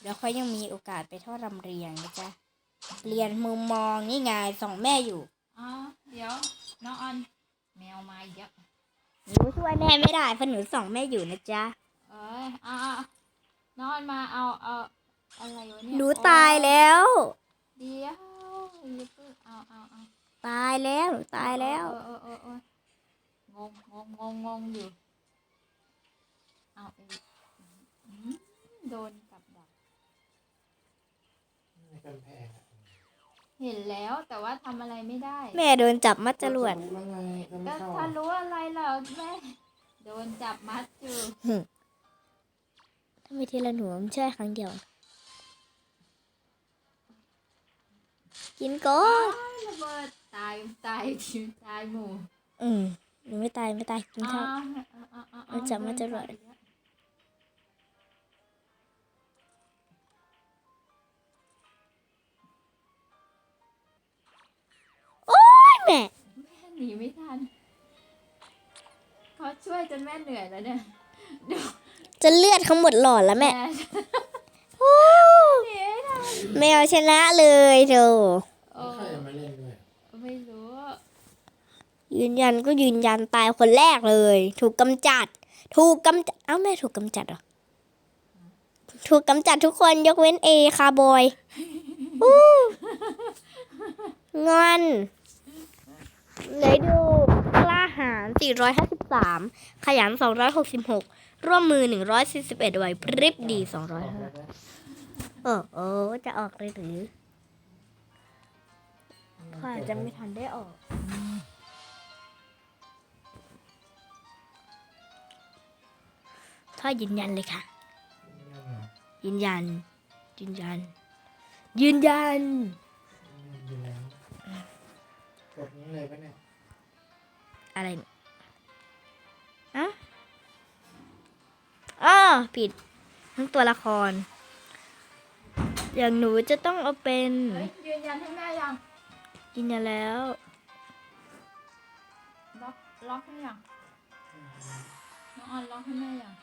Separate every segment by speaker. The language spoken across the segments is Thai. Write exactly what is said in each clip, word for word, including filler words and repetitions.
Speaker 1: เดี๋ยวเขายังมีโอกาสไปทอดรำเรียงนะจ๊ะเรียนมุมมองนี่ไงสองแม่อยู่
Speaker 2: อ๋อเดี๋ยวน้องออนแมวมาเยอะ
Speaker 1: หนูช่วยแม่ไม่ได้เพราะหนูสองแม่อยู่นะจ๊ะ
Speaker 2: เอ้ยอ่าน้องออนมาเอาเอาอะไรวะเนี่ย
Speaker 1: หนูตายแล้ว
Speaker 2: เดี๋ยวอย่าเพิ่งเอาเอาเอา
Speaker 1: ตายแล้วหนูตายแล้ว
Speaker 2: เออเออเอองงงงงงงอยู่เอาเอโดนกับดักเห็นแล้วแต่ว่าทำอะไรไม่ได้
Speaker 1: แม่โดนจับมัดจรวด
Speaker 2: ก็ถ้ารู้อะไรเหรอแม่โดนจับมัดอยู่
Speaker 1: ถ้าไม่ทีละหนูมันใช่ครั้งเดียวกินก่อน
Speaker 2: ระเบิดตายตายทิวตายหมู่
Speaker 1: อืมหนูไม่ตายไม่ตายกินข้าวมันจับมัดจรวดแม่
Speaker 2: แม่หนีไม่ทันเขาช่วยจนแม่เหนื่อยแล้วเนี่ย
Speaker 1: จะเลือดเขาหมดหลอดแล้วแม่แมวชนะเลยเธอ
Speaker 3: ใครมาเล่นด้วย
Speaker 2: ไม่รู้
Speaker 1: ยืนยันก็ยืนยันตายคนแรกเลยถูกกำจัดถูกกำจัดเอ้าแม่ถูกกำจัดเหรอถูกกำจัดทุกคนยกเว้นเอคาร์บอยงอนเลยดูกล้าหาญสี่ร้อยห้าสิบสามขยันสองร้อยหกสิบหกร่วมมือหนึ่งร้อยสี่สิบเอ็ดไหวพริบดีสองร้อยห้าเออโอ้จะออกเลยหรือพ่อจะไม่ทันได้ออกพ่อยืนยันเลยค่ะยืนยันยืนยันยืนยัน
Speaker 3: กดนี้เลยปะเนี่ย
Speaker 1: อะไรอ่ะอ้อผิดทั้งตัวละครอย่างหนูจะต้องเอาเป็น
Speaker 2: ยืนยันให้แม่ยัง
Speaker 1: ยืนยันแล้ว
Speaker 2: ล็อกล็อกให้ยังน้องออนล็อกให้แม่ยัง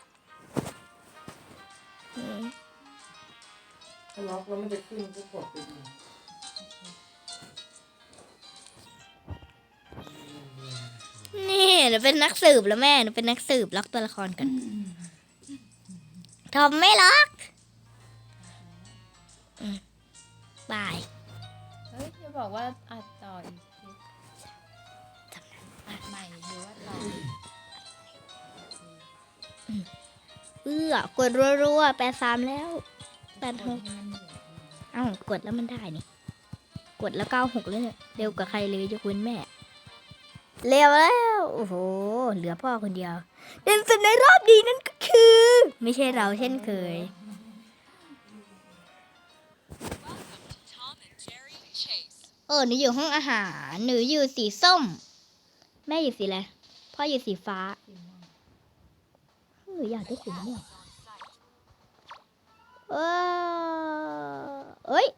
Speaker 3: ถ้าล็อกแล้วมันจะขึ้นก็กดไปอีก
Speaker 1: นี่หนูเป็นนักสืบแล้วแม่หนูเป็นนักสืบล็อกตัวละครกันทอมไม่ล็อกบาย
Speaker 2: เฮ้ยจะบอกว่าอัดต่ออีกอัดใหม่หรือว่าต่อ
Speaker 1: เอื้อกดรัวๆแปดสามแล้วแปดหกเอ้ากดแล้วมันได้นี่กดแล้วเก้าหกเลยเนี่ยเร็วกว่าใครเลยยกเว้นแม่เร็วแล้วโอ้โหเหลือพ่อคนเดียวเด่นสุดในรอบดีนั่นก็คือไม่ใช่เราเช่นเคยเออหนูอยู่ห้องอาหารหนูอยู่สีส้มแม่อยู่สีอะไรพ่ออยู่สีฟ้าหนูอยากได้สีม่วงเออเอ้ย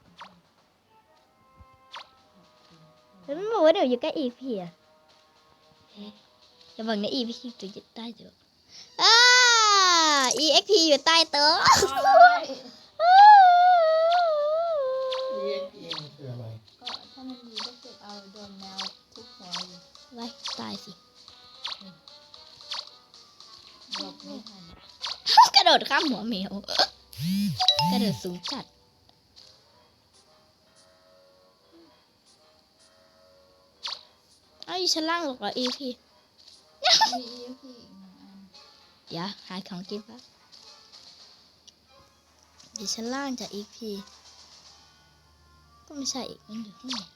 Speaker 1: แล้วมันบอกว่าเดี๋ยวอยู่ใกล้อีพีอะจะบอกนะอีพีจะอยู่ใต้โต๊ะอ่า อี เอ็ก พี อยู่ใต้โต๊ะ
Speaker 3: เรียกเองคืออะไร
Speaker 2: ก็ถ้ามันมีก็เก็บเอาโดนแมวทุกหัวอยู่
Speaker 1: ไว้ตายสิ
Speaker 2: หลบไม่ทัน
Speaker 1: กระโดดข้ามหัวแมวกระโดดสูงจัดไอ้ชั้นล่างหรอกเหรอ อี พี
Speaker 2: มี อี พี อีกหนึ่งอัน
Speaker 1: เดี๋ยวหาของกินปะอยู่ชั้นล่างจาก อี พี ก็ไม่ใช่อีกมันอยู่ข้างใน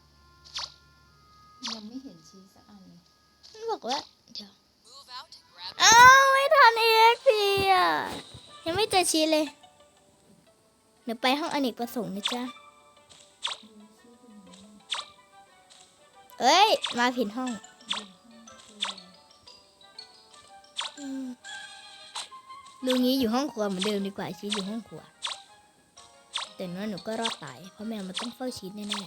Speaker 2: ยังไม่เห็นชี้สักอันเลย
Speaker 1: มันบอกว่าเดี๋ยวอ้าวไม่ทัน อี เอ็ก พี อ่ะยังไม่เจอชี้เลยเดี๋ยวไปห้องอเนกประสงค์นะจ๊ะเอ้ยมาผิดห้องลุงนี้อยู่ห้องครัวเหมือนเดิมดีกว่าชี้อยู่ห้องครัวแต่ว่าหนูก็รอดตายเพราะแมวมันต้องเฝ้าชี้แน่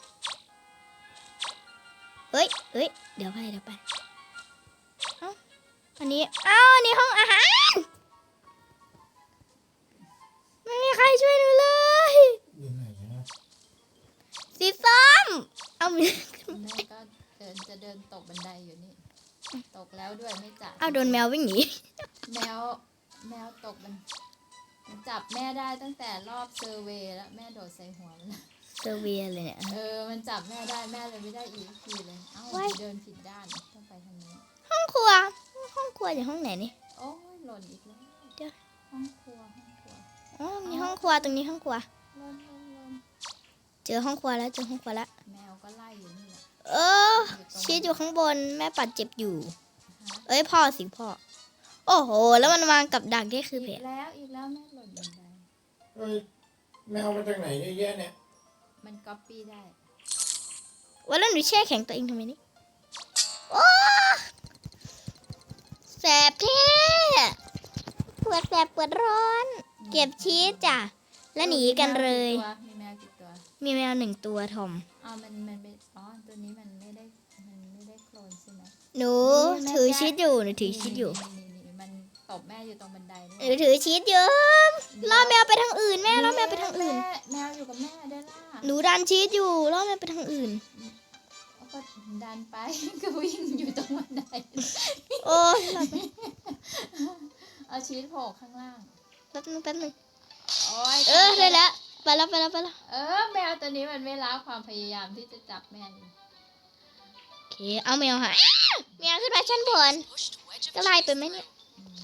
Speaker 1: ๆเอ้ยเอ้ยเดี๋ยวไปเดี๋ยวไปเอ้าอันนี้เอ้าอันนี้ห้องอาหารเอามือ
Speaker 2: แม่ก็เดินจะเดินตกบันไดอยู่นี่ ตกแล้วด้วยไม่จับ
Speaker 1: เอาโดนแมววิ่งหนี
Speaker 2: แมวแมวตกมันมันจับแม่ได้ตั้งแต่รอบเซอร์เวย์แล้วแม่โดดใส่หัวมันแล้ว
Speaker 1: เซอร์เวียเลยเนี่ย
Speaker 2: เออมันจับแม่ได้แม่เลยไม่ได้อีกทีเลยเอ้า
Speaker 1: ว้าย
Speaker 2: เดินผิดด้านต้องไปทางนี้
Speaker 1: ห้องครัว ห้องครัวอยู่ห้องไหนนี่
Speaker 2: โอ้ยหล่นอีกแล้ว
Speaker 1: เดี๋ยว
Speaker 2: ห้องครัวห้องครัว
Speaker 1: อ๋อมีห้องครัวตรงนี้ห้องครัว
Speaker 2: หล่นหล่นหล่น
Speaker 1: เจอห้องครัวแล้วเจอห้องครัวแล้ว
Speaker 2: แมวก็ไล่อยู่นี่แหละ
Speaker 1: เออชีสอยู่ข้างบนแม่ปัดเจ็บอยู่
Speaker 2: ฮะ
Speaker 1: เอ้ยพ่อสิพ่อ โอ้โห แล้วมันวางกับดักนี่คือเพ
Speaker 2: อี
Speaker 1: จ
Speaker 2: กแล้วอีกแล้วแม่หล่นบันได
Speaker 3: เฮ้ยแมวมาจากไหนเยอะแยะเนี่ย
Speaker 2: มันก๊อปปี้ได้
Speaker 1: วันแล้วหนูแช่แข็งตัวเองทำไมนี่โอ้แสบเท่ปวดแสบปวดร้อน เก็บชีสจ้ะ แล้วหนีกันเลย
Speaker 2: มีแมวกี่ตัว
Speaker 1: มีแมวหนึ่งตัวทอม
Speaker 2: อ๋อมันมันเป็นอ๋อตัวนี้มันไม่ได้มันไม่ได้โคลนใช่ไหม
Speaker 1: หนู
Speaker 2: นี่แม่
Speaker 1: ถือ
Speaker 2: แกะ
Speaker 1: ชีสอยู่หนูถือชีสอยู่
Speaker 2: นี่นี่นี่มันตบแม่อยู่ตรงบันได
Speaker 1: หนูถือชีสอยู่ล่อแมวไปทางอื่นแม่ล่อแมวไปทางอื่น
Speaker 2: แม่แมวอยู่กับแม่ได้ล่ะ
Speaker 1: หนูดันชีสอยู่ล่อแมวไปทางอื่น
Speaker 2: แล้วก็ดันไป ก็วิ่งอยู่ตรงบันได
Speaker 1: โอ้ยหลับไป
Speaker 2: เอาชีสโผล่ข้างล่าง
Speaker 1: แป๊บนึงแป๊บนึง
Speaker 2: โอ้ย
Speaker 1: เออได้แล้วไปแล้วไปแล้วไปแล้ว
Speaker 2: เออแมวตัวนี้มันไม่ละความพยายามที่จะจับแม่นี่
Speaker 1: โอเคเอาแมวหายแมวขึ้นมาชั้นบนจะไล่ไปไหมเนี่ย
Speaker 2: อืม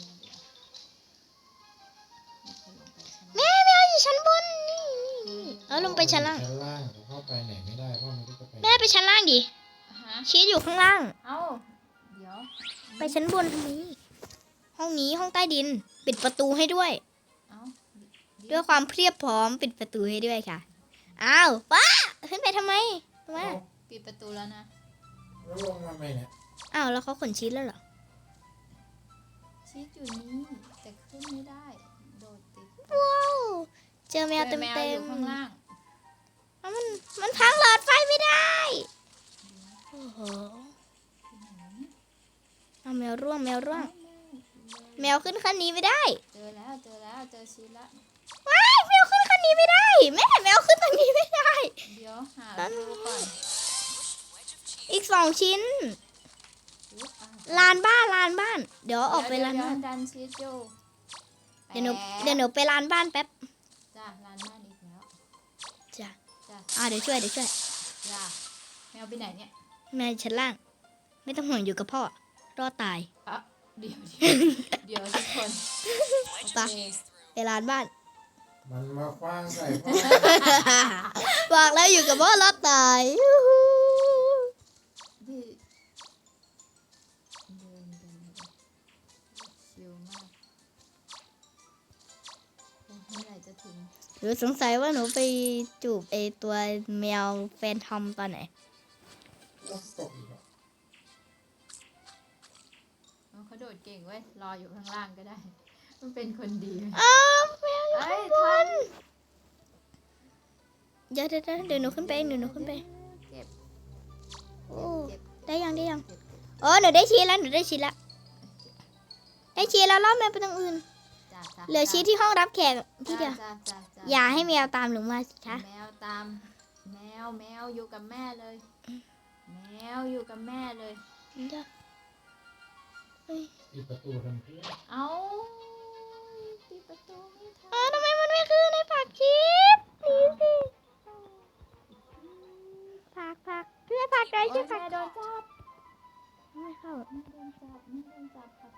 Speaker 2: เดี๋ยวเดี๋ยว
Speaker 1: แม่แมวอยู่ชั้นบนนี่นี่นี่เอาลงไปชั้นล่าง
Speaker 3: ชั้นล่างผมเข้าไปไหนไม่ได้เพราะมันก็จะไป
Speaker 1: แม่ไปชั้นล่างดิ
Speaker 2: ฮะ
Speaker 1: ชีสอยู่ข้างล่าง
Speaker 2: เอ้าเดี๋ยว
Speaker 1: ไปชั้นบนทำไมห้องนี้ห้องใต้ดิน ปิดประตูให้ด้วย
Speaker 2: เอ้า
Speaker 1: ด้วยความเพรียบพร้อมปิดประตูให้ด้วยค่ะอ้าวป้าขึ้นไปทำไมทำไม
Speaker 3: เอา
Speaker 2: ปิดประตูแล้วนะ
Speaker 3: แล้วลงมาไหมเนี่ย
Speaker 1: อ้าวแล้วเขาขนชีสแล้วเหรอ
Speaker 2: ชีสอยู่นี่แต่ขึ้นไม่ได้ โดดติด
Speaker 1: ว้าวเจอแมวเต็ม
Speaker 2: แมว
Speaker 1: เต็
Speaker 2: อ
Speaker 1: ม
Speaker 2: ยู่ข้างล่าง
Speaker 1: มันมันพังหลอดไฟไม่ได้โอ้โหเอาแมวร่วงแมวร่วง แมวขึ้นคันนี้ไม่ได้
Speaker 2: เจอแล้วเจอแล้วเจอชีสแล้ว
Speaker 1: ว้ายแมวขึ้นคันนี้ไม่ได้ แม่แมวขึ้นตรงนี้ไม่ได้
Speaker 2: เดี๋ยวหาดูก่อน
Speaker 1: อีกสองชิ้น
Speaker 2: อุ๊ยอ่ะ
Speaker 1: ลานบ้านลานบ้าน เดี๋ยวออกไปลาน
Speaker 2: เดี๋ยว
Speaker 1: บ้าน
Speaker 2: เดี๋ยวดันชีสอยู่
Speaker 1: เดี๋ยวหนู
Speaker 2: แปะ
Speaker 1: เดี๋ยวหนูไปลานบ้านแป๊บ
Speaker 2: จ้ะลานบ้านอีกแล้ว
Speaker 1: จ้ะ
Speaker 2: จ้ะ
Speaker 1: อ่าเดี๋ยวช่วยเดี๋ยวช่วย
Speaker 2: จ้ะแมวไปไหนเนี่ย
Speaker 1: แม่ชั้นล่าง ไม่ต้องห่วงอยู่กับพ่อ รอดตาย
Speaker 2: อ่ะเดี๋ยวเดี๋ยวเดี๋ยวทุกคนโอ
Speaker 1: ไป
Speaker 2: เค
Speaker 1: ไปลานบ้าน
Speaker 3: มันมาคว้างใส่พ่อ
Speaker 1: บอกแล้วอยู่กับพ่อรอดตายยูฮู
Speaker 2: ดิเดินเดินเดินชิลมากโอ้เมื่อไหร่จะถึง
Speaker 1: หนูสงสัยว่าหนูไปจูบไอตัวแมวแฟนทอมตอนไหน
Speaker 3: แล้วตกอีกเหรอ
Speaker 2: เอาเขาโดดเก่งเว้ย รออยู่ข้างล่างก็ได้ มันเป็นคนดี
Speaker 1: อ้าวแมวอยู่
Speaker 2: เอ้
Speaker 1: ข้าง
Speaker 2: ย
Speaker 1: บ
Speaker 2: ทั
Speaker 1: น
Speaker 2: น
Speaker 1: เดี๋ยวเดี๋ยวเดี๋ยวเดี๋ยวหนูขึ้นไปเองเดี๋ยวหนูขึ้นไป
Speaker 2: เก็บ
Speaker 1: โอ้
Speaker 2: เก็บ
Speaker 1: ได้ยังได้ยัง
Speaker 2: เก็บ
Speaker 1: อ๋อหนูได้ชีสแล้วหนูได้ชีสแล้วได้ชีสแล้วล่อแมวไปทางอื่น
Speaker 2: จ้ะจ้ะ
Speaker 1: เหลือชีสที่ห้องรับแขกที่เดียว
Speaker 2: จ้ะจ้ะจ้ะ
Speaker 1: อย่าให้แมวตามหนูมาสิคะ
Speaker 2: แมวตาม แมวแมวอยู่กับแม่เลย แมวอยู่กับแม่เลย
Speaker 1: เดี๋ยวเฮ้ย
Speaker 3: ปิดประตูทำเพื่อ
Speaker 2: เอาปิดประตูไม่ทั
Speaker 1: อ้าวน ทำไมมันไม่ขึ้นในผักชีสหนีสิผักผักเพื่อผักได้
Speaker 2: โอ้
Speaker 1: ช่วย ยผัก
Speaker 2: แม่โดนจับ
Speaker 1: ไม่เข้า
Speaker 2: แม่โดนจับแม่โดนจับครับ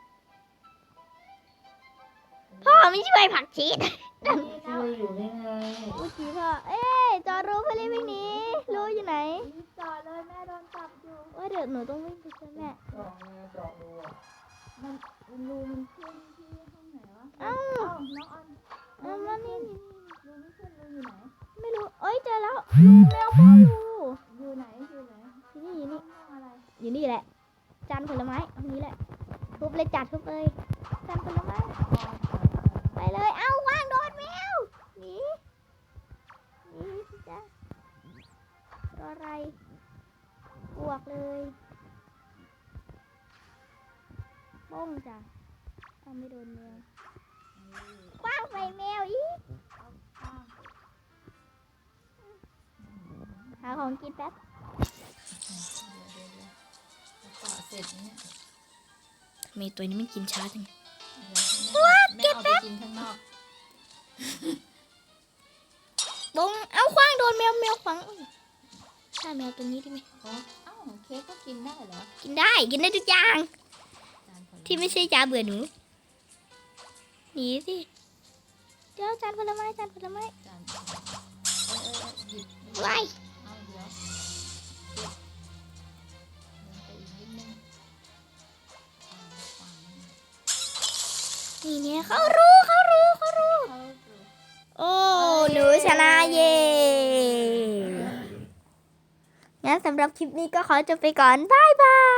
Speaker 1: พ่อไม่ช่วยผักชีส
Speaker 2: นี่
Speaker 3: ช่
Speaker 2: นะ
Speaker 3: วยอยู่นี่ไง
Speaker 1: อุ้ยจีพ่อเอ้ยจอรู้เพื่อรีบวิ่งหนีรู้อยู่ไหน
Speaker 2: รีบจอดเลยแม่โดนจับอยู่
Speaker 1: ว่าเดี๋ยวหนูต้องวิ่งไปช่วยแม่
Speaker 3: เจาะไงเจาะดูอ่ะ
Speaker 2: มันรูมันขึ้นที่ห้องไหนวะ
Speaker 1: เอ้า
Speaker 2: เอ้าน้องออน
Speaker 1: เอามานี่
Speaker 2: รูไม่ขึ้นรูอยู่ไหน
Speaker 1: ไม่รู้เอ้ยเจอแล้วลูกแมวพ่อลู
Speaker 2: อยู่ไหนอยู่ไหน
Speaker 1: อยู่นี่อยู่นี่
Speaker 2: ห้องอะไร
Speaker 1: อยู่นี่แหละ จานผลไม้ตรงนี้แหละ ทุบเลยจัดทุบเลย จานผลไม้ ไปเลย เอ้าวางโดนแมวหนีหนีสิจ๊ะรออะไรบวกเลยบ้งจ้ะเอาไม่โดนแมวคว้างใส่แมวอีก
Speaker 2: ข้าง
Speaker 1: หาของกินแป๊บ
Speaker 2: เดี๋ยวเดี๋ยวเดี๋ยวจะต่อเสร็จไหมเนี่ย
Speaker 1: ทำไมตัวนี้มันกินช้าจัง
Speaker 2: เดี๋ยวแม่เอาแม่เอาไปกินข้างนอก
Speaker 1: บงเอาขว้างโดนแมวแมวขวางอุ๊ยฆ่าแมวตัวนี้ได้ไหม
Speaker 2: โอ้เอ้าเค้กก็กินได้เหรอ
Speaker 1: กินได้กินได้ทุกอย่าง
Speaker 2: จานผล
Speaker 1: ที่ไม่ใช่จานเบื่อหนูหนีสิเดี๋ยวจานผลไม้จานผลไม้
Speaker 2: จานผลไม้เออเออเออหยิบหยิบ
Speaker 1: ไว้
Speaker 2: เอาเดี๋ยวเก็บเดินไปอีกนิดนึงอ่าวางนี่
Speaker 1: นี่เนี่ยเขารู้เขารู้เขารู้
Speaker 2: เข้าดู
Speaker 1: โอ้หนูชนะเย่งั้นสำหรับคลิปนี้ก็ขอจบไปก่อนบายบาย